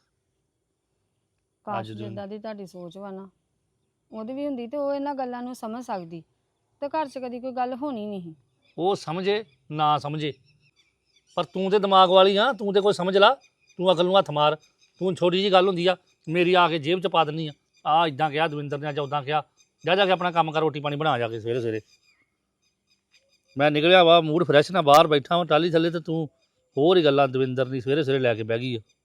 S9: ਕਾਸ਼ ਜਿੱਦਾਂ ਦੀ ਤੁਹਾਡੀ ਸੋਚ ਵਾ ਨਾ ਉਹਦੀ ਵੀ ਹੁੰਦੀ ਤੇ ਉਹ ਇਹਨਾਂ ਗੱਲਾਂ ਨੂੰ ਸਮਝ ਸਕਦੀ ਤੇ ਘਰ 'ਚ ਕਦੀ ਕੋਈ ਗੱਲ ਹੋਣੀ ਨਹੀਂ।
S2: ਉਹ ਸਮਝੇ ਨਾ ਸਮਝੇ, ਪਰ ਤੂੰ ਤੇ ਦਿਮਾਗ ਵਾਲੀ ਆ, ਤੂੰ ਤੇ ਕੋਈ ਸਮਝ ਲਾ। ਤੂੰ ਅਕਲ ਨੂੰ ਹੱਥ ਮਾਰ। ਤੂੰ ਛੋਟੀ ਜਿਹੀ ਗੱਲ ਹੁੰਦੀ ਆ ਮੇਰੀ ਆ ਕੇ ਜੇਬ 'ਚ ਪਾ ਦਿੰਦੀ ਆ। ਆ ਇਦਾਂ ਕਿਹਾ ਦਵਿੰਦਰ ਨੇ, ਜਾਂ ਉੱਦਾਂ ਕਿਹਾ। ਜਾ ਜਾ ਕੇ ਆਪਣਾ ਕੰਮ ਕਰ, ਰੋਟੀ ਪਾਣੀ ਬਣਾ ਜਾ ਕੇ ਸਵੇਰੇ ਸਵੇਰੇ। ਮੈਂ ਨਿਕਲਿਆ ਵਾ ਮੂਡ ਫਰੈਸ਼ ਨਾ, ਬਾਹਰ ਬੈਠਾ ਵਾਂ ਟਾਲੀ ਥੱਲੇ ਤੇ ਤੂੰ ਹੋਰ ਹੀ ਗੱਲਾਂ ਦਵਿੰਦਰ ਦੀ ਸਵੇਰੇ ਸਵੇਰੇ ਲੈ ਕੇ ਬਹਿ ਗਈ ਆ।